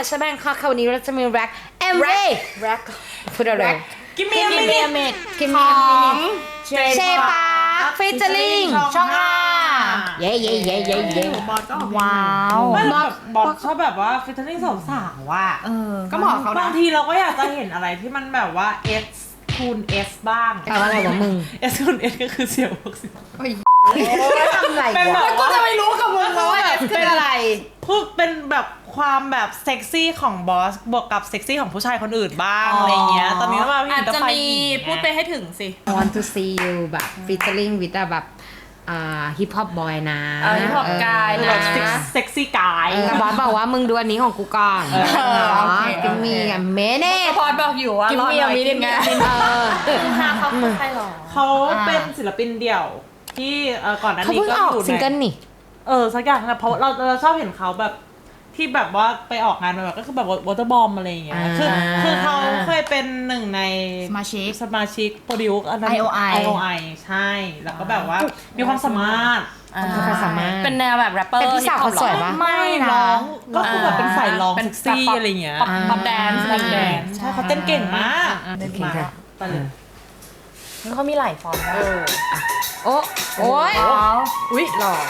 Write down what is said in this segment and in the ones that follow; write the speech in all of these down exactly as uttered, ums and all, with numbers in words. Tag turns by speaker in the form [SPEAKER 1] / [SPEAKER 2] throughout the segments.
[SPEAKER 1] ชาแบงค์ค่ะวันนี้เราจะมีแร็กเอ็มวีแร็กพูดอะไร
[SPEAKER 2] กิมมี่มินิเมด
[SPEAKER 1] กิมมี่มินิเชปาฟิชเชอร์ลิงช่องห้าเย้เย้เย้เย้เย้
[SPEAKER 2] บอสก็
[SPEAKER 3] ว้าว
[SPEAKER 2] บอสชอบแบบว่าฟิชเชอร์ลิงสาวๆว่ะ
[SPEAKER 3] ก็เหมาะเขา
[SPEAKER 2] บางทีเราก็อยากจะเห็นอะไรที่มันแบบว่า S คูณ S บ้าง
[SPEAKER 1] แปลว่าอะไรวะมึง
[SPEAKER 2] S คูณ S ก็คือเสียวพวกสิ
[SPEAKER 1] โอ้ยทำไรวะ
[SPEAKER 3] กูจะไม่รู้กับมึงว่า S คืออะไร
[SPEAKER 2] พูดเป็นแบบความแบบเซ็กซี่ของบอสบวกกับเซ็กซี่ของผู้ชายคนอื่นบ้างอะไรเงี้ยตอนนี้ก็มาพี่
[SPEAKER 3] อาจจะมีพูดไปให้ถึงสิ
[SPEAKER 1] want to see you แบบฟิชเชอร์ลิงวิดแบบอ่าฮิปฮอปบอยนะ
[SPEAKER 3] ฮิปฮอปกายนะ
[SPEAKER 2] เซ็กซี่กาย
[SPEAKER 1] แต่บอสบอกว่ามึงดูอันนี้ของกูก่อนกิมมี่กับเมเน่
[SPEAKER 3] พอดบอกอยู่ว่า
[SPEAKER 1] กิมมี่มีนิดไง
[SPEAKER 3] ห้าเขาคือใครหรอ
[SPEAKER 2] เขาเป็นศิลปินเดี่ยวที่ก่อนหน้านี้ก็อยู่ใน
[SPEAKER 1] ซิงเกิลนี่
[SPEAKER 2] เออสักอย่างนะเพราะเราเราชอบเห็นเขาแบบที่แบบว่าไปออกงานแบบก็คือแบบวอเตอร์บอมอะไรอย่างเงี้ยคือคือเขาเคยเป็นหนึ่งใน
[SPEAKER 3] สมาชิก
[SPEAKER 2] สมาชิกโปรดิวซ์อันนั้น
[SPEAKER 3] ไอ โอ ไอ
[SPEAKER 2] ไอ โอ ไอ ใช่แล้วก็แบบว่ามีความสามารถ
[SPEAKER 1] มีความสามารถ
[SPEAKER 3] เป็นแนวแบบแรปเปอร์
[SPEAKER 1] เป็นพี่สาวเขาสวยปะ
[SPEAKER 2] ไม่ร้องก็คือแบบเป็นฝ่ายร้องเซ็กซี่อะไรเงี้ย
[SPEAKER 3] ป๊อปแดนซ์
[SPEAKER 2] ป๊อปแดนซ์ใช่เขาเต้นเก่งมาก
[SPEAKER 1] เต้นเก่งค่ะ
[SPEAKER 2] ไปเลย
[SPEAKER 3] แล้วเขามีหลายฟอร์ม
[SPEAKER 1] เออโอ้โอ้ยอุ้ยหล่อ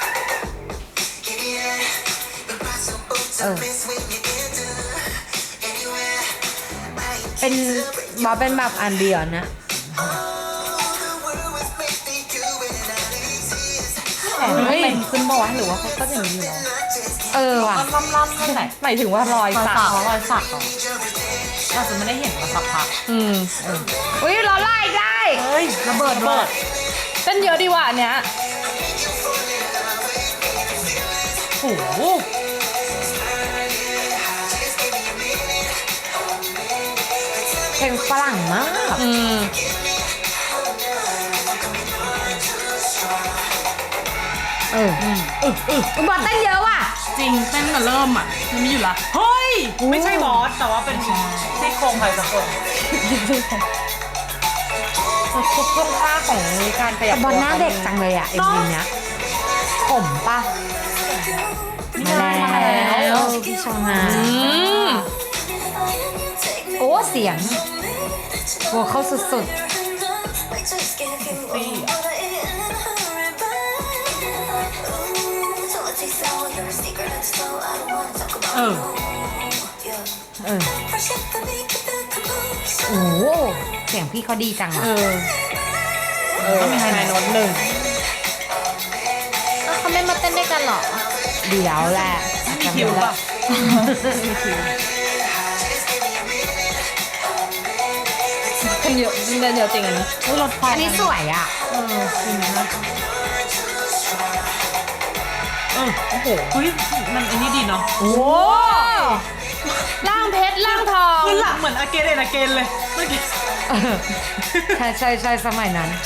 [SPEAKER 1] เออเป็นบอสเป็นแบบอันเดียวนะ
[SPEAKER 3] เฮ้ยขึ้นบอกว่าหรือว่าเขาก็จะมีอยู่เนาะ
[SPEAKER 1] เออว่ะ
[SPEAKER 3] ล่ำล่ำที่ไหน
[SPEAKER 1] หมายถึงว่ารอยสัก
[SPEAKER 3] รอยสักเหรอเราจะไม่ได้เห็นมาสักพัก
[SPEAKER 1] อืมอุ้ยล้อไล่ได้
[SPEAKER 2] เฮ้ย
[SPEAKER 3] ระเบิดเบิดเต้นเยอะดีว่ะอันเนี้ย
[SPEAKER 2] โอ้โห
[SPEAKER 1] เพลงฝรั่งมาก
[SPEAKER 3] อืม
[SPEAKER 1] เอออืมเออเออบอสเต้นเยอะว่ะ
[SPEAKER 3] จริงเต้นแต่เริ่มอ่ะมันมีอยู่ละ
[SPEAKER 2] เฮ้ยไม่ใช่บอสแต่ว่าเป็นซี่โครงใครสักคน
[SPEAKER 1] ทุกท่วงท่าของการขยับบอลหน้าเด็กจังเลยอ่ะเอ็มวีเนี้ยผมป่ะมาแล้วพี่ชองฮาโอ้เสียงโว้เข้าสุดๆ
[SPEAKER 2] เออ
[SPEAKER 1] เออโอ้เสียงพี่เขาดีจังอ่ะ
[SPEAKER 2] เออก็มีไฮไลท์โน้ตหนึ่ง
[SPEAKER 3] เขาไม่มาเต้นด้วยกันหรอ
[SPEAKER 1] เดี๋ยวแหละ
[SPEAKER 2] มีคิวป่ะมีคิว
[SPEAKER 3] คนเยอะเดินเยอะจริงอันนี้
[SPEAKER 2] รถไฟ
[SPEAKER 1] อันนี้สวยอ่ะ
[SPEAKER 2] เออจริงนะเออโอ้โหเฮ้ยมันอันนี้ดีเนาะ
[SPEAKER 3] โอ้ล่างเพชรล่างทอง
[SPEAKER 2] คือหลังเหมือนอาเกนเลยอาเกนเลยเมื่อกี้
[SPEAKER 1] ใช่ใช่ใช่สมัยนั้น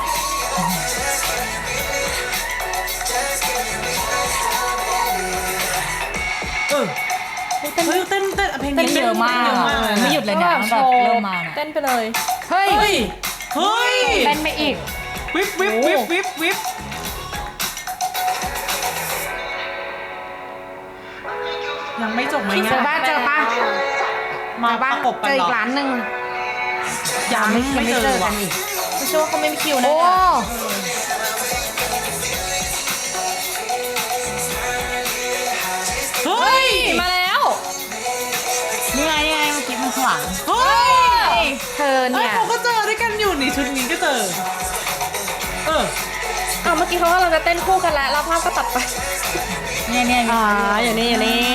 [SPEAKER 2] เออเต้นเต้นเต้นเพลงนี้
[SPEAKER 3] เยอะมากไม่หยุดเลยนะแบบเริ่มมาเต้นไปเลย
[SPEAKER 1] เฮ้ย
[SPEAKER 2] เฮ้ย
[SPEAKER 1] เต้นไปอีก
[SPEAKER 2] วิบวิบวิบวิบวิบยังไม่จบไหมเนี่ย
[SPEAKER 1] เจอบ้านเจอป้า
[SPEAKER 2] มาบ้านกบ
[SPEAKER 1] เจออีกร้านหนึ่ง
[SPEAKER 2] ยังไม่เจอ
[SPEAKER 1] กันอีก
[SPEAKER 3] ไม่เชื่อว่าเขาไม่มีคิวนะ
[SPEAKER 1] โอ้
[SPEAKER 2] เฮ้ย
[SPEAKER 3] มาแล้วนี่ไงนี่ไงเมื่อกี้มันขวาง
[SPEAKER 2] เฮ้
[SPEAKER 1] ยเธอเนี่ย
[SPEAKER 2] เขาก็เจอด้วยกันอยู่นี่ชุดนี้ก็เจอเออ
[SPEAKER 3] เอาเมื่อกี้เขากำลังจะเต้นคู่กันแล้วแล้วภาพก็ตัดไปเนี่ยเนี่ย
[SPEAKER 1] อ่าอย่างนี้อย่างนี้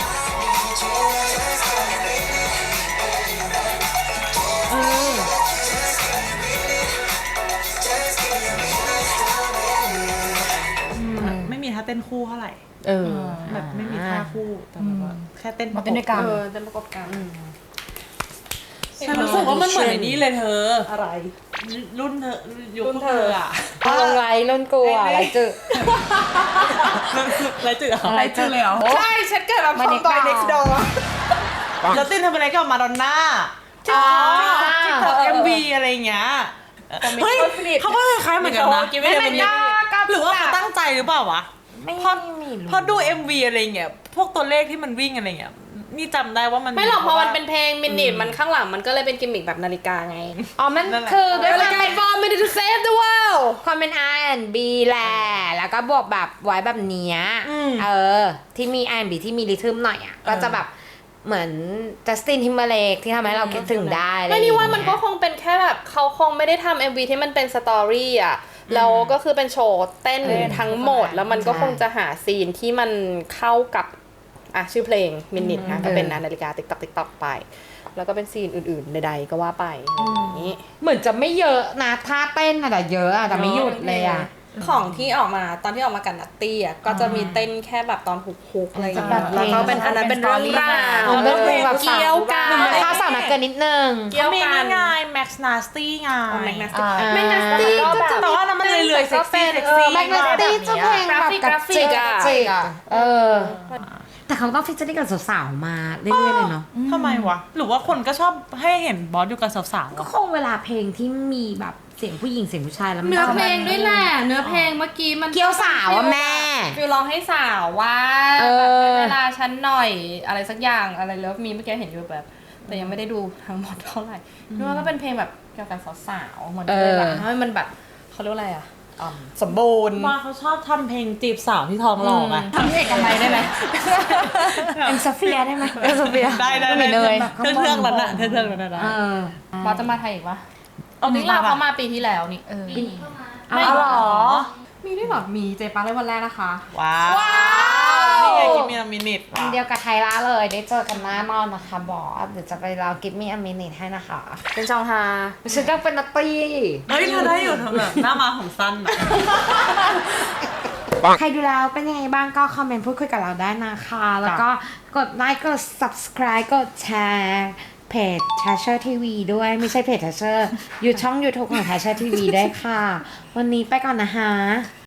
[SPEAKER 2] เออไม่มีท่าเต้นคู่เท่าไหร่
[SPEAKER 1] เออ
[SPEAKER 2] แบบไม่มีท่าคู่แต่แบบว่าแค่เต้น
[SPEAKER 3] เต้นด้วยกัน
[SPEAKER 2] เออเต้นประกอบกันฉันรู้สึกว่ามันเหมือนนี้เลยเธอ
[SPEAKER 1] อะไร
[SPEAKER 2] รุ่นเธอยุคเธออ่ะ
[SPEAKER 1] ลงไรรุ่นกูอ่ะไรจืด
[SPEAKER 2] ไรจืด
[SPEAKER 3] ไรจืดเลยเหรอ
[SPEAKER 2] ใช่ฉันเกิดมาพร้อมตอน next door แล้วตินทำอะไรกับมาดอนน่าอ๋อที่ทำเอ็มวีอะไรเงี้ยเฮ้ยเขาก็คล้ายเหมือนกันนะไม่เป็นยากหรือว่าเขาตั้งใจหรือเปล่าวะ
[SPEAKER 1] ไม่
[SPEAKER 2] พอพอดู เอ็ม วี อะไรเงี้ยพวกตัวเลขที่มันวิ่งอะไรเงี้ยนี่จำได้ว่ามัน
[SPEAKER 3] ไม่หรอกเพราะมันเป็นเพลงมินิทมันข้างหลังมันก็เลยเป็นกิมมิคแบบนาฬิกาไง
[SPEAKER 1] อ๋อมันคือด้วยความเป็น
[SPEAKER 3] four minutes to save the world
[SPEAKER 1] ความเป็น อาร์ แอนด์ บี แหละแล้วก็บวกแบบไว้แบบเนี้ยเออที่มี อาร์ แอนด์ บี ที่มีริทึมหน่อยอ่ะก็จะแบบเหมือนจัสตินทิมเบอร์เลกที่ทำให้เราคิดถึงได้
[SPEAKER 3] ไม่นี่ว่ามันก็คงเป็นแค่แบบเขาคงไม่ได้ทำ เอ็ม วี ที่มันเป็นสตอรี่อ่ะแล้วก็คือเป็นโชว์เต้นทั้งหมดแล้วมันก็คงจะหาซีนที่มันเข้ากับอ่ะชื่อเพลงมินิทนะก็เป็นนาฬิกาติ๊กต๊อกติ๊กต๊อกไปแล้วก็เป็นซีนอื่นๆใดๆก็ว่าไปอย่างนี้
[SPEAKER 1] เหมือนจะไม่เยอะนะท่าเต้นอะแต่เยอะอะแต่ไม่หยุดเลยอะ
[SPEAKER 3] ของที่ออกมาตอนที่ออกมากันนัตตี้อ่ะก็จะมีเต้นแค่แบบตอนฮุกๆอะไรอย่าง
[SPEAKER 1] จะ
[SPEAKER 3] เงี้
[SPEAKER 1] แบบ
[SPEAKER 3] ยแล้วก็เป็นอันนั้นเป็นเรื่องราว
[SPEAKER 1] มันเป็นเพลงแบบ
[SPEAKER 3] เกี่ยวกัน
[SPEAKER 1] มันท่าสาวนักเกินนิดนึง
[SPEAKER 3] เกี่ยว
[SPEAKER 2] มี
[SPEAKER 3] กั
[SPEAKER 2] นี่
[SPEAKER 3] น
[SPEAKER 2] ไง Max Nasty ไง
[SPEAKER 3] แมกนัสตี้
[SPEAKER 1] อ่า
[SPEAKER 3] แมกนัสตี้ก็จะ
[SPEAKER 2] แต่ว่านั้นมันเลื่อยๆเซ็กซี่เซ็กซี่
[SPEAKER 1] แมกนัสตี้จะเพลงแบบกระจิก
[SPEAKER 3] กราฟิกอะ
[SPEAKER 1] กระจิกอะเออ แต่เขาต้องฟิชเจอริ่งกับสาวๆมาเรื่อยๆเลยเนาะ
[SPEAKER 2] ทำไมวะ หรือว่าคนก็ชอบให้เห็นบอสอยู่กับสาวๆ
[SPEAKER 1] ก็
[SPEAKER 2] อะ
[SPEAKER 1] คงเวลาเพลงที่มีแบบเสียงผู้หญิงเสียงผู้ชายแล้วมัน
[SPEAKER 3] เนื้อ
[SPEAKER 1] จะ
[SPEAKER 3] เพล
[SPEAKER 1] แบบ
[SPEAKER 3] งด้วยแหละเนื้อเพลงเมื่อกี้มัน
[SPEAKER 1] เกี่ยวสาวอะแม่
[SPEAKER 3] ฟิลร้องให้สาวว่า
[SPEAKER 1] เออ
[SPEAKER 3] แบบเวลาฉันหน่อยอะไรสักอย่างอะไรเลิฟมีเมื่อกี้เห็นอยู่แบบ แต่ยังไม่ได้ดูทั้งหมดเท่าไหร่นึกว่าก็เป็นเพลงแบบเกี่ยวกับสาวๆเหมือนเลยแบบให้มันแบบเขาเรียกว่าอะไรอ่ะอ่อมสมบูรณ์
[SPEAKER 2] ว่าเขาชอบทำเพลงจีบสาวที่ท้องหล่อไง
[SPEAKER 3] ทำให้เอกมัยได้ไหม
[SPEAKER 1] เอ็มโซเฟียได้ไหมเอ็มโซเฟีย
[SPEAKER 2] ได้ได้
[SPEAKER 1] ไม่
[SPEAKER 2] ได้
[SPEAKER 1] เลย
[SPEAKER 2] เครื่องเครื่องนั้นอะเครื่องเครื่องนั้นนะ
[SPEAKER 1] เออ
[SPEAKER 3] บอสจะมาไทยอีกปะ
[SPEAKER 2] เอา
[SPEAKER 3] นี่เราเขามาปีที่แล้วนี่เออ
[SPEAKER 1] เอาเหรอ
[SPEAKER 3] มีด้วยเหรอมีเจปังได้วันแรกนะคะ
[SPEAKER 2] ว้าว
[SPEAKER 1] ว้าว
[SPEAKER 2] นี่ไงกิมมีมินิท
[SPEAKER 1] อันเดียวกับไทยละเลยได้เจอกันแน่นอนนะคะบอสเดี๋ยวจะไปรอกิฟมี่อมินิทให้นะคะ
[SPEAKER 3] เป็นชองฮา
[SPEAKER 1] ฉันต้องเป็นนัตตี้
[SPEAKER 2] เฮ้ยเธอได้อยู่เธอแบบหน้ามาของสั้นอะ
[SPEAKER 1] ใครดูแล้วเป็นยังไงบ้างก็คอมเมนต์พูดคุยกับเราได้นะคะ แล้วก็กดไลค์กด subscribe กดแชร์เพจ Thatcher ที วี ด้วยไม่ใช่เพจ Thatcher อยู่ช่อง YouTube ของ Thatcher ที วี ด้วยค่ะ วันนี้ไปก่อนนะคะ